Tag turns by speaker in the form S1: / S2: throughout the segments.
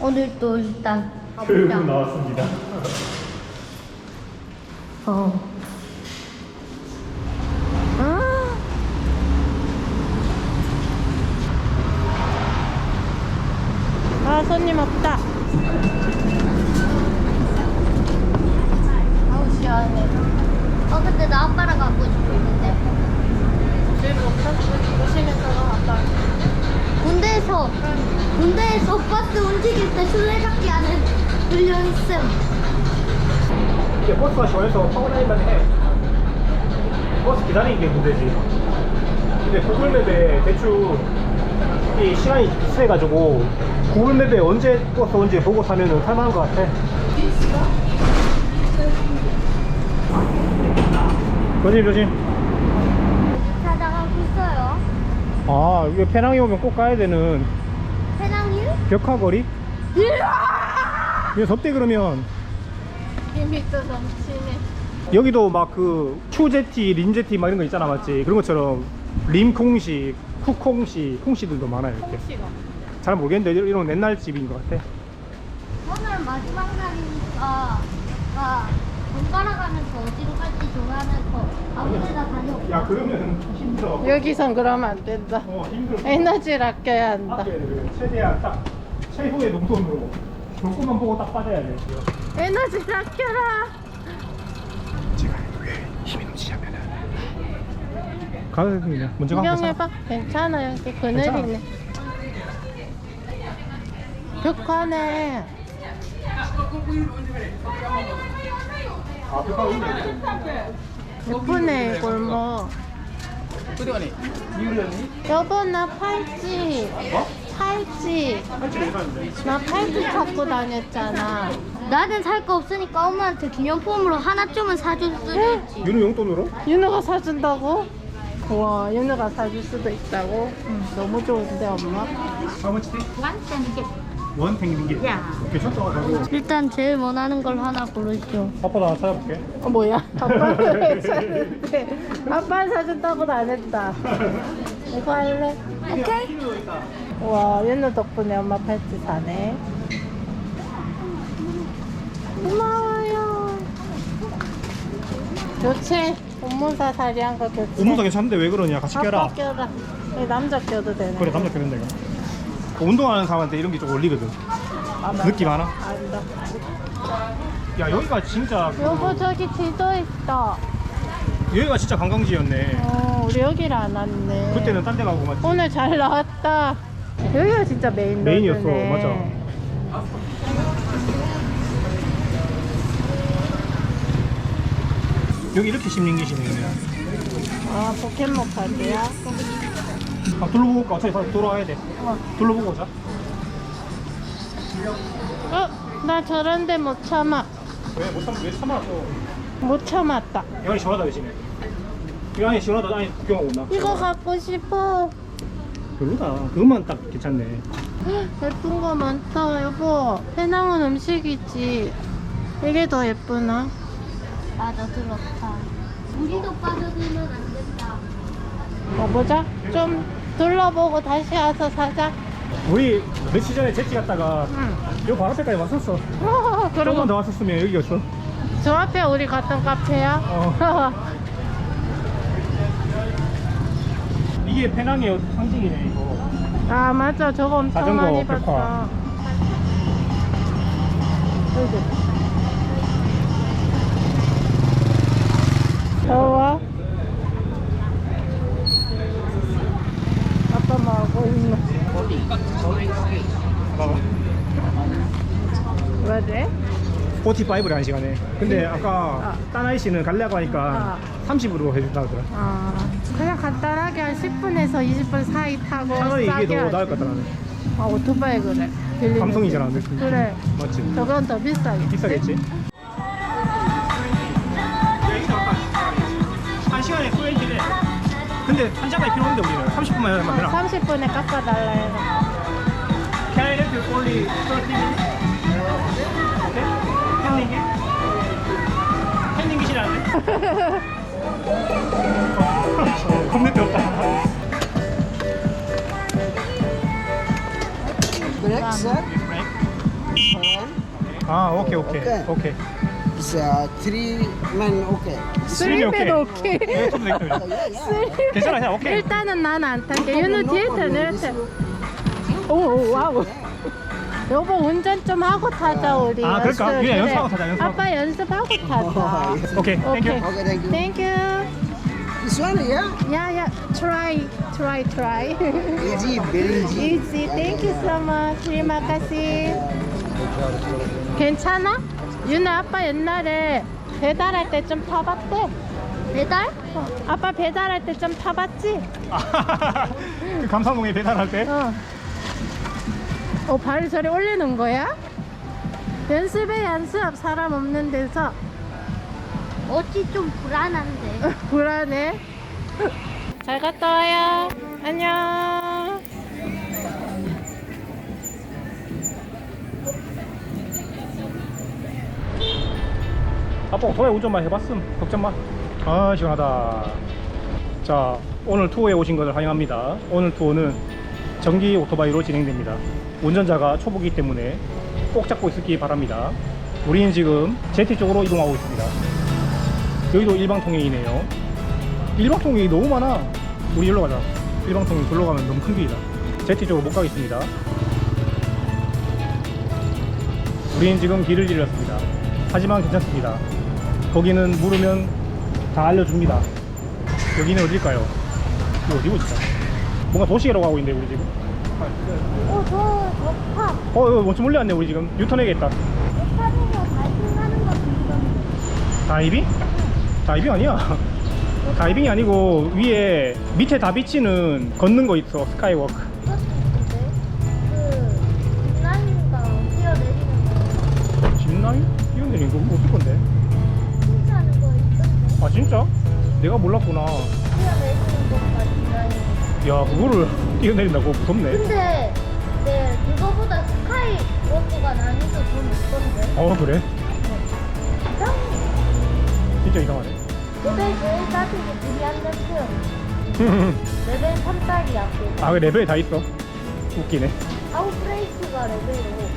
S1: 오늘 또 일단
S2: 교육은
S1: 가보자.
S2: 나왔습니다.
S3: 아, 손님 없다.
S1: 아우 시원해. 근데 나 아빠랑 가고 싶었는데.
S3: 조심해서 아빠.
S1: 군대에서 버스 움직일 때 술래잡기 하는 훈련 있음.
S2: 이게 버스가 시원해서 타고 다니면 해. 버스 기다리는 게 문제지. 근데 구글맵에 대충 이 시간이 비슷해가지고 구글맵에 언제 버스 언제 보고 타면은 탈만한 것 같아. 조심.
S1: 찾아가고 있어요.
S2: 아, 이거 페낭에 오면 꼭 가야 되는
S1: 페낭일?
S2: 벽화거리? 이거 덥대 그러면.
S3: 힘이 또 넘치네.
S2: 여기도 막 그 추제티, 린제티 막 이런 거 있잖아, 맞지? 그런 것처럼 림콩시, 쿠콩시, 콩시들도 많아요 이렇게.
S3: 콩씨가.
S2: 잘 모르겠는데 이런 옛날 집인 것 같아.
S1: 오늘 마지막 날이니까 번갈아 가면서 어디로 갈지 정하면서 아무데나 다녀올까?
S2: 야, 그러면 힘들어.
S3: 여기선 그러면 안 된다.
S2: 힘들어.
S3: 에너지를 아껴야 한다.
S2: 아껴야 돼. 최대한 딱 최후의 농돈으로 조금만 보고 딱 빠져야 돼.
S3: 에너지를 아껴라.
S2: 제가 왜 힘이 넘치냐면은 가야 됩니다. 먼저 가면
S3: 구경해봐. 괜찮아. 여기 그늘이네. 벽화네.
S2: 아, 벽화가 있네.
S3: 예쁘네, 골목. 여보, 나 팔찌. 팔찌.
S2: 할지 괜찮은데.
S3: 나 팔찌 찾고 다녔잖아.
S1: 나는 살 거 없으니까 엄마한테 기념품으로 하나쯤은 사줄 수도 있지.
S2: 윤우 용돈으로?
S3: 윤우가 사준다고? 우와, 윤우가 사줄 수도 있다고? 너무 좋은데, 엄마?
S2: How much this? 원 탱링게. 괜찮다. 가고.
S1: 일단 제일 원하는 걸 하나 고르죠.
S2: 아빠도 하나 찾아볼게.
S3: 뭐야? 아빠는 왜 사준대? 아빠는 사준다고도 안 했다. 이거 할래?
S1: 오케이.
S3: 우와, 윤우 덕분에 엄마 팔찌 사네. 고마워요. 교체. 옷문사 사리한 거 교체.
S2: 옷모사 괜찮은데 왜 그러냐? 같이 껴라.
S3: 아빠 껴라. 이 남자 껴도 되네.
S2: 그래, 남자 껴면 내가. 운동하는 사람한테 이런 게 좀 어울리거든.
S3: 아,
S2: 느낌 하나?
S3: 안다.
S2: 야, 여기가 진짜
S3: 여보, 저기 지도 있어.
S2: 여기가 진짜 관광지였네.
S3: 우리 여기를 안 왔네.
S2: 그때는 딴 데 가고 맞지?
S3: 오늘 잘 나왔다. 여기가 진짜
S2: 메인이었어, 맞아. 여기 이렇게 심는 게 심는 거야.
S3: 아, 포켓몬 카드야?
S2: 아, 둘러보고 올까? 어차피 다시 돌아와야 돼. 둘러보고 오자.
S3: 나 저런데 못 참아.
S2: 왜 참았어?
S3: 못 참았다.
S2: 이 안이 시원하다, 대신에. 이 안이 시원하다, 안에 구경하고 온다.
S3: 이거 갖고 싶어.
S2: 별로다. 그것만 딱 괜찮네.
S3: 예쁜 거 많다, 여보. 해낭은 음식이지. 이게 더 예쁘나?
S1: 맞아, 들었다. 우리도 빠져들면 안 된다.
S3: 보자. 좀 둘러보고 다시 와서 사자.
S2: 우리 며칠 전에 제치 갔다가
S3: 응.
S2: 요 바로 앞에까지 왔었어. 조금만
S3: 그리고
S2: 더 왔었으면 여기였어.
S3: 저 앞에 우리 갔던 카페야?
S2: 이게 페낭의 상징이네, 이거.
S3: 아, 맞아. 저거 엄청
S2: 자전거
S3: 많이
S2: 벽화.
S3: 봤어. 더워? 아빠 뭐 하고 있노?
S2: 봐봐.
S3: 뭐지?
S2: 45를 한 시간에. 근데 아까 딴 아이씨는 가려고 하니까 30으로 해준다 하더라.
S3: 그냥 간단하게 한 10분에서 20분 사이 타고
S2: 차라리 이게
S3: 싸게
S2: 더
S3: 하지.
S2: 나을 것 같다, 나는.
S3: 오토바이 그래. 빌리는
S2: 감성이잖아,
S3: 거.
S2: 느낌.
S3: 그래.
S2: 맞지?
S3: 저건 더 비싸겠지.
S2: 비싸겠지? 한 시간에 20래. 근데 한 시간이 필요 없는데 우리는 30분만 하면 되나?
S3: 30분에 깎아달라 해서.
S2: Can I help you only 30 minutes? Okay? 팬딩기? 팬딩기시라는데? 겁내 뜨겁다.
S3: Break,
S2: Break. 아, 오케이.
S4: It's 3 men, okay.
S3: 쓰리맨 오케이.
S2: 네, 좀 되겠다. 괜찮아, 그냥 오케이.
S3: 일단은 난 안 탈게. 유는 뒤에 타, 내려 타. 오, 와우. 여보 운전 좀 하고 타자 우리.
S2: 아, 그럴까?
S3: 연습.
S2: 그래, 연습하고 타자, 연습하고.
S3: 아빠 연습하고 타자.
S2: 오케이, 땡큐.
S3: 오케이.
S4: Okay, thank you.
S3: Thank you.
S4: This one, yeah?
S3: Yeah. Try.
S4: Easy, very easy.
S3: Easy. Thank you so much. Terima kasih. 괜찮아? 유나 아빠 옛날에 배달할 때 좀 타봤대.
S1: 배달?
S3: 아빠 배달할 때 좀 타봤지?
S2: 그 감사동에 배달할 때?
S3: 발을 저리 올리는 거야? 연습 사람 없는 데서.
S1: 어찌 좀 불안한데.
S3: 불안해. 잘 갔다 와요. 안녕.
S2: 아빠 오토바이 운전만 해봤음. 걱정 마. 아, 시원하다. 자, 오늘 투어에 오신 것을 환영합니다. 오늘 투어는 전기 오토바이로 진행됩니다. 운전자가 초보기 때문에 꼭 잡고 있기 바랍니다. 우리는 지금 제티 쪽으로 이동하고 있습니다. 여기도 일방통행이네요. 일방통행이 너무 많아. 우리 일로 가자. 일방통행 둘러 가면 너무 큰 길이다. 제티 쪽으로 못 가겠습니다. 우리는 지금 길을 잃었습니다. 하지만 괜찮습니다. 거기는 물으면 다 알려줍니다. 여기는 어딜까요? 이거 어디고 진짜? 뭔가 도시계로 가고 있는데 우리 지금.
S1: 저 파.
S2: 이거 엄청 멀리 왔네. 우리 지금 유턴해야겠다.
S1: 파도로 다이빙하는 거 있던데.
S2: 다이빙? 다이빙 아니야. 다이빙이 아니고 위에 밑에 다 비치는 걷는 거 있어. 스카이워크.
S1: 그것도 있는데. 그 장난인가 뛰어내리는 거.
S2: 집라인? 뛰어내리는 거 어떨 건데?
S1: 혼자 하는 거 있던데.
S2: 아 진짜? 내가 몰랐구나.
S1: 뛰어내리는 것과 장난이.
S2: 야, 그거를 뛰어내린다고? 무섭네.
S1: 근데 네 그거보다 스카이 워크가 난이도 더 높던데.
S2: 그래?
S1: 이상해.
S2: 진짜 이상하네.
S1: 레벨 제일 낮은 게 브리안데스. 레벨 3짜리야.
S2: 아, 그 레벨이 다 있어. 웃기네.
S1: 아웃브레이크가 레벨 5.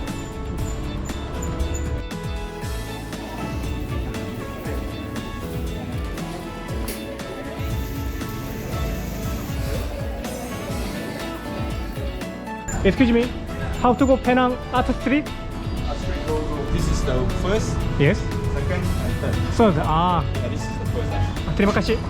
S2: Excuse me, how to go Penang Art Street?
S5: This is the first,
S2: Yes.
S5: second, and third.
S2: So,
S5: Yeah, this is the first actually.
S2: 드리마카시.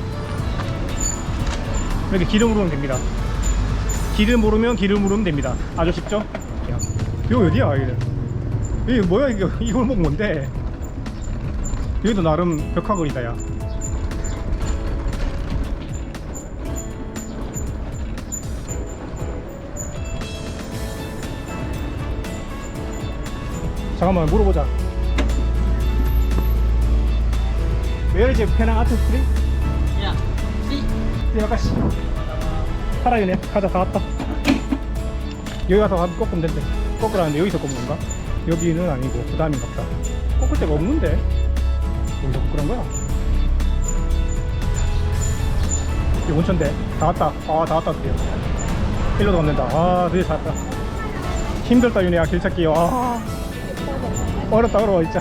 S2: 이렇게 길을 물으면 됩니다. 길을 모르면 됩니다. 아주 쉽죠? 야, 여기 어디야, 여기는? 이게 뭐야, 이 골목 뭔데? 여기도 나름 벽화거리다, 야. 잠깐만 물어보자. Where is Penang Art Street? 아가씨 살아있네. 가자. 다 왔다. 여기 가서 꺾으면 된대. 꺾으라는데 여기서 꺾는 건가? 여기는 아니고 그 다음인가 보다. 꺾을 데가 없는데 여기서 꺾으란 거야? 여기 온천대. 다 왔다. 다 왔다 드디어. 일로도 가면 된다. 드디어 찾았다. 힘들다 윤혜야 길 찾기. 어렵다 어려워 진짜.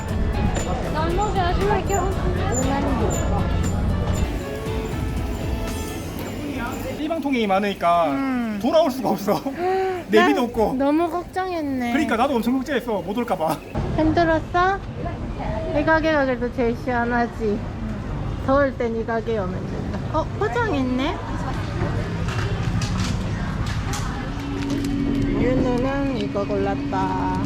S2: 일방통행이 많으니까 돌아올 수가 없어. 내비도 없고.
S3: 너무 걱정했네.
S2: 그러니까 나도 엄청 걱정했어. 못 올까봐.
S3: 힘들었어? 이 가게가 그래도 제일 시원하지. 더울 땐 이 가게에 오면 된다. 포장했네? 윤우는 이거 골랐다.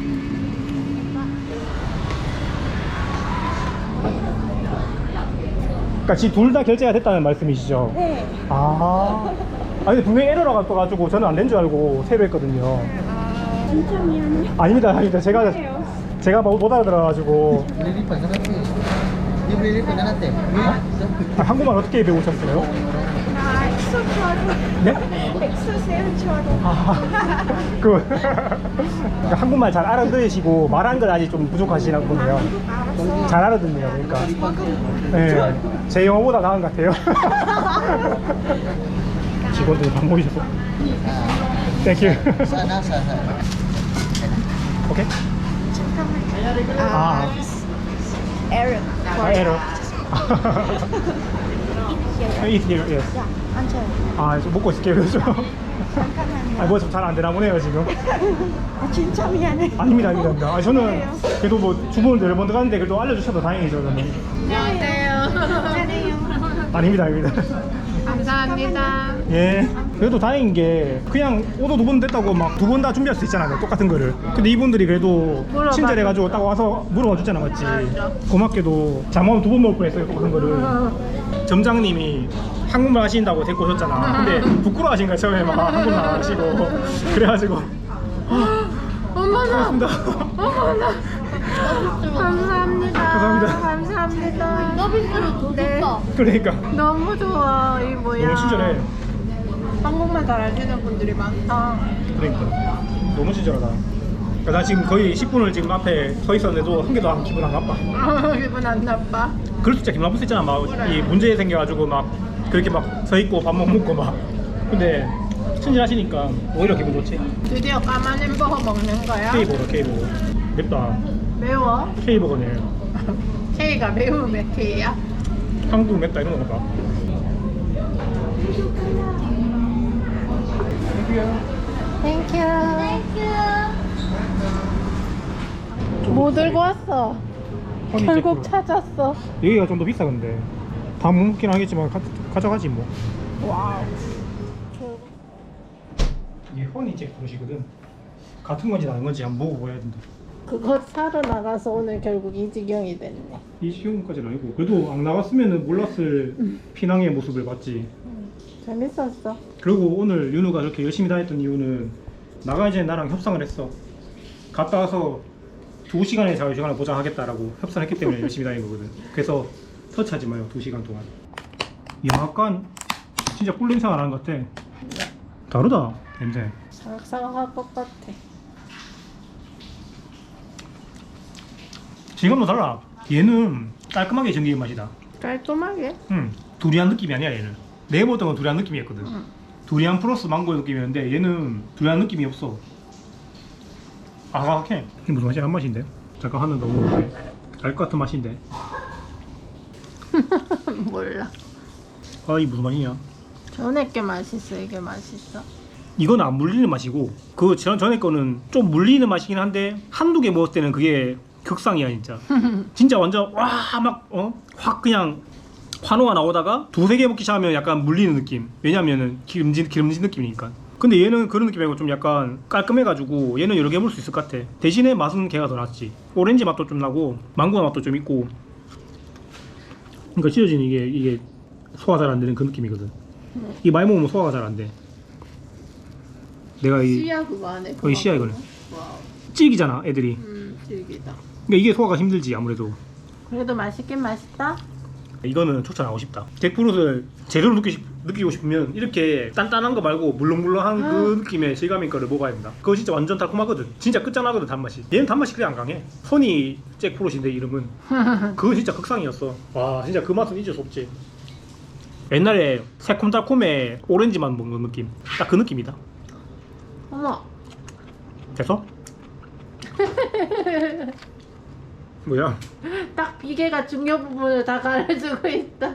S2: 그러니까 지금 둘 다 결제가 됐다는 말씀이시죠?
S3: 네.
S2: 아니 분명히 에러가 떠가지고 저는 안 된 줄 알고 새로 했거든요.
S3: 진짜 미안해.
S2: 아닙니다. 제가 못 알아들어가지고. 한국말 어떻게 배우셨어요? 네? 한국말 잘 알아들으시고 말한 건 아직 좀 부족하시나 보네요. 잘 알아듣네요. 그러니까 네, 제 영어보다 나은 것 같아요. 직원들이 밥 먹이셔서. 땡큐. 오케이?
S3: 아,
S1: Arab.
S2: 에러. Eat here, yes.
S1: 야, 앉아요.
S2: 아, 좀 먹고 있을게요, 그래서. 아, 뭐 좀 잘 안 되나 보네요, 지금.
S3: 진짜 미안해.
S2: 아닙니다, 아닙니다. 아, 저는 그래도 뭐 주문을 여러 번 들어갔는데 그래도 알려주셔서 다행이죠, 저는.
S3: 안녕하세요.
S2: 아닙니다, 아닙니다.
S3: 감사합니다.
S2: 예. 그래도 다행인 게 그냥 오도 2번 됐다고 막 2번 다 준비할 수 있잖아요, 똑같은 거를. 근데 이분들이 그래도
S3: 물어봐.
S2: 친절해가지고 딱 와서 물어봐 줬잖아, 맞지?
S3: 맞아.
S2: 고맙게도 잘못하면 2번 먹을 뻔했어요, 똑같은 거를. 점장님이 한국말 하신다고 데리고 오셨잖아. 근데 부끄러워하신 거야, 처음에 막 한국말 안 하시고. 그래가지고
S3: 어머나.
S2: 고맙습니다.
S3: 어머나. 감사합니다.
S2: 감사합니다.
S3: 감사합니다.
S1: 서비스로 더
S3: 네.
S1: 좋다.
S2: 그러니까
S3: 너무 좋아. 이 뭐야.
S2: 너무 친절해.
S3: 한국말 잘 아시는 분들이 많다.
S2: 그러니까 너무 친절하다. 그러니까 나 지금 거의 10분을 지금 앞에 서 있었는데도 한 개도 안 기분 안 나빠.
S3: 기분 안 나빠.
S2: 그럴 수 진짜 기분 나쁠 수 있잖아. 막 이 문제 생겨가지고 막 그렇게 막 서 있고 밥 못 먹고 막. 근데 친절하시니까 오히려 기분 좋지.
S3: 드디어 까만 햄버거 먹는 거야?
S2: K버거, K버거. 맵다.
S3: 매워?
S2: K버거네.
S3: K가 매우면 K야?
S2: 한국 맵다 이런 건가?
S3: 땡큐.
S1: 땡큐.
S3: 뭐 들고 왔어? 결국 찾았어.
S2: 여기가 좀 더 비싸 근데. 다 못 먹긴 하겠지만 가져가지 뭐.
S3: 와우.
S2: 이게 허니잭 그릇이거든. 같은 건지 다른 건지 한번 먹어봐야 된다.
S3: 그거 사러 나가서 오늘 결국 이 지경이 됐네.
S2: 이 시간까지는 아니고 그래도 안 나갔으면 몰랐을 피낭의 모습을 봤지.
S3: 재밌었어.
S2: 그리고 오늘 윤우가 저렇게 열심히 다녔던 이유는 나가기 전에 나랑 협상을 했어. 갔다 와서 2시간의 자유시간을 보장하겠다라고 협상했기 때문에 열심히 다닌 거거든. 그래서 터치하지 마요, 2시간 동안. 약간 진짜 꿀 냄새가 나는 것 같아. 다르다, 냄새.
S3: 사각사각할 것 같아.
S2: 질감도 달라. 얘는 깔끔하게 정기의 맛이다.
S3: 깔끔하게?
S2: 두리안 느낌이 아니야, 얘는. 내가 먹었던 건 두리안 느낌이었거든. 두리안 플러스 망고의 느낌이었는데 얘는 두리안 느낌이 없어. 아삭해. 이게 무슨 맛이야? 한 맛인데? 잠깐 하나 더 먹어볼게. 알 것 같은 맛인데.
S3: 몰라.
S2: 아, 이 무슨 맛이냐?
S3: 전에 게 맛있어, 이게 맛있어.
S2: 이건 안 물리는 맛이고 그 전에 거는 좀 물리는 맛이긴 한데 한두 개 먹을 때는 그게 극상이야 진짜. 진짜 완전 확 그냥 환호가 나오다가 2-3개 먹기 시작하면 약간 물리는 느낌. 왜냐면은 기름진 느낌이니까. 근데 얘는 그런 느낌 말고 좀 약간 깔끔해가지고 얘는 여러 개 먹을 수 있을 것 같아. 대신에 맛은 걔가 더 낫지. 오렌지 맛도 좀 나고 망고 맛도 좀 있고. 그러니까 찢어진 이게 소화 잘 안 되는 그 느낌이거든. 이 많이 먹으면 소화가 잘 안 돼. 내가 이
S3: 씨야 그거 안에.
S2: 이 씨야 이거는.
S3: 와우.
S2: 질기잖아 애들이.
S3: 질기다.
S2: 그러니까 이게 소화가 힘들지 아무래도.
S3: 그래도 맛있긴 맛있다.
S2: 이거는 추천하고 싶다. 잭프루트를 제대로 느끼고 싶으면 이렇게 단단한 거 말고 물렁물렁한 그 느낌의 실감인 거를 먹어야 된다. 그거 진짜 완전 달콤하거든. 진짜 끝장나거든 단맛이. 얘는 단맛이 그래 안 강해. 허니 잭프루트인데 이름은. 그건 진짜 극상이었어. 와 진짜 그 맛은 잊을 수 없지. 옛날에 새콤달콤의 오렌지만 먹는 느낌. 딱 그 느낌이다.
S3: 어머.
S2: 됐어? 뭐야?
S3: 딱 비계가 중요 부분을 다 가려주고 있다.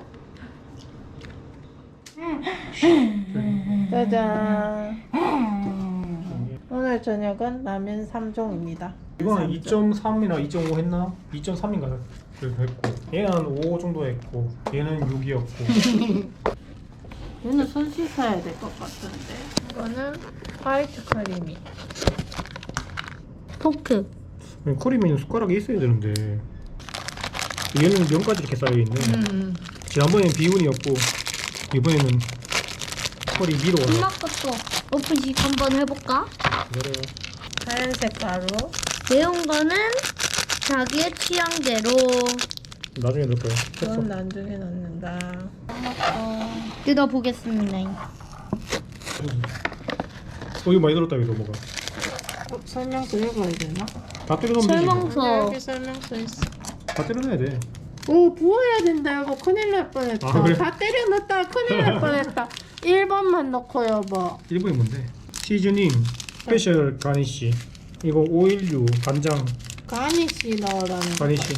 S3: 짜잔. 오늘 저녁은 라면 3종입니다.
S2: 이거는 2.3이나 2.5 했나? 2.3인가 그래서 했고 얘는 5 정도 했고 얘는 6이었고
S3: 얘는 손 씻어야 될 것 같은데. 이거는 화이트 크림이.
S1: 포크.
S2: 커리면 숟가락이 있어야 되는데 얘는 면까지 이렇게 쌓여있네. 지난번에는 비운이었고 이번에는 커리 미로가
S1: 엄마 것도 오픈식 한번 해볼까?
S2: 그래.
S3: 하얀색 가루.
S1: 매운 거는 자기의 취향대로.
S2: 나중에 넣을 거야.
S3: 그건 나중에 넣는다.
S1: 뜯어보겠습니다.
S2: 이거 많이 들었다 이거 뭐가
S3: 설명서 읽어야 되나?
S2: 다 때려 넣으면 되지
S1: 설명서.
S3: 여기 설명서 있어.
S2: 다 때려 넣어야 돼.
S3: 오 부어야 된다 여보. 큰일 날 뻔했다.
S2: 아, 그래?
S3: 다 때려 넣었다 큰일 날 뻔했다. 1번만 넣고 여보.
S2: 1번이 뭔데? 시즈닝 스페셜 가니쉬 이거 오일류, 간장,
S3: 가니쉬 넣으라는 거
S2: 가니쉬.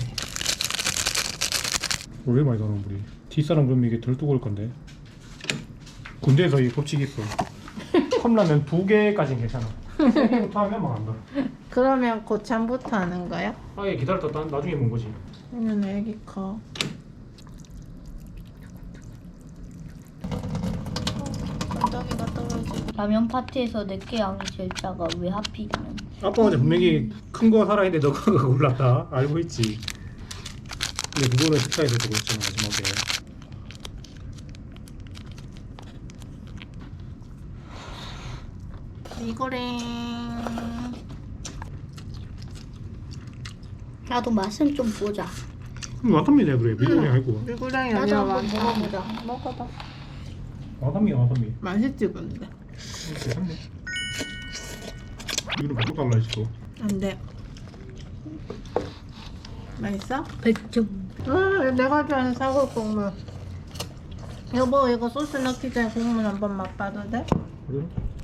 S2: 왜 많이 넣는 물이? 뒷사람 그러면 이게 덜 뜨거울 건데. 군대에서 이 법칙이 있어. 컵라면 2개까지는 괜찮아. 3개부터 하면 막 안 돼.
S3: 그러면 고참부터 하는 거야?
S2: 아예 기다렸다 나중에 먹은 거지.
S3: 아니면 애기 커. 건더기가 떨어지고.
S1: 라면 파티에서 내게 양이 제일 작아. 왜 하필이면?
S2: 아빠가 분명히 큰 거 사라 했는데 너가 그거 골랐다. 알고 있지. 근데 그거는 식사에서 주고 있잖아 마지막에.
S3: 이거래.
S1: 나도 맛은 좀 보자.
S2: 와사비네 그래. 미국이 아니고.
S3: 미고랑이
S1: 나도
S3: 아니라
S1: 한번
S3: 완전
S1: 먹어보자. 먹어봐.
S2: 와사비야 와사비.
S3: 맛있지 근데.
S2: 괜찮네. 이거는 바꿔 달라 했어.
S3: 안돼. 맛있어?
S1: 100점.
S3: 내가 좋아하는 사골 국물. 여보 이거 소스 넣기 전에 국물 한번 맛봐도 돼?
S2: 그래?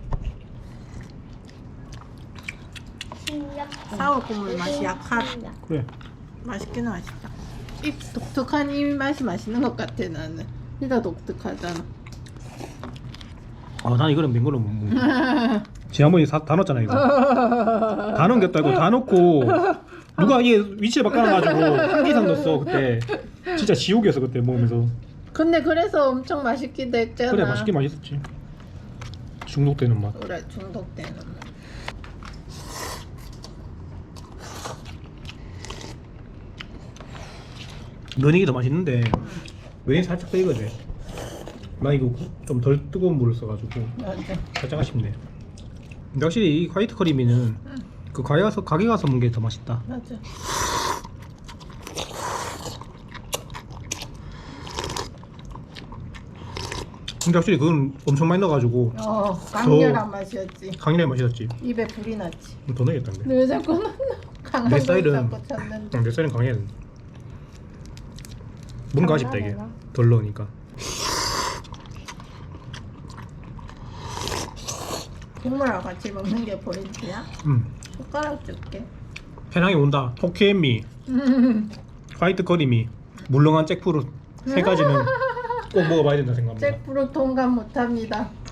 S3: 사골 국물 맛이 약하다.
S2: 그래.
S3: 맛있긴 맛있다. 이 독특한 이 맛이 맛있는 것 같아 나는. 이가 독특하잖아.
S2: 아, 난 이거는 맹 거는 못 먹어. 지난번에 다 넣었잖아 이거. 다 넣었다 이거 다 넣고 누가 이게 위치에 바꿔놔가지고 한 개 이상 넣었어 그때. 진짜 지옥이었어 그때 먹으면서.
S3: 근데 그래서 엄청 맛있기도 했잖아.
S2: 그래 맛있긴 맛있었지. 중독되는 맛.
S3: 그래 중독되는 맛.
S2: 면이기 더 맛있는데 면이 살짝 더 익어야 돼. 나 이거 좀 덜 뜨거운 물을 써가지고
S3: 맞아.
S2: 살짝 아쉽네. 근데 확실히 이 화이트 커리미는 그 가게 가서 먹는 게 더 맛있다.
S3: 맞아.
S2: 근데 확실히 그건 엄청 많이 넣어가지고
S3: 강렬한 맛이었지.
S2: 강렬한 맛이었지.
S3: 입에 불이 났지.
S2: 더 넣어야겠다.
S3: 왜 자꾸 강한
S2: 내
S3: 걸
S2: 스타일은
S3: 자꾸 찾는데.
S2: 내 스타일은 강해야 된다. 뭔가 아쉽다 이게.
S3: 장난해라.
S2: 덜 넣으니까.
S3: 국물하고 같이 먹는 게 포인트야? 숟가락 줄게.
S2: 해낭이 온다. 토끼엠미, 화이트 커리미, 물렁한 잭프루 세 가지는 꼭 먹어봐야 된다 생각합니다.
S3: 잭프루 통감 못합니다.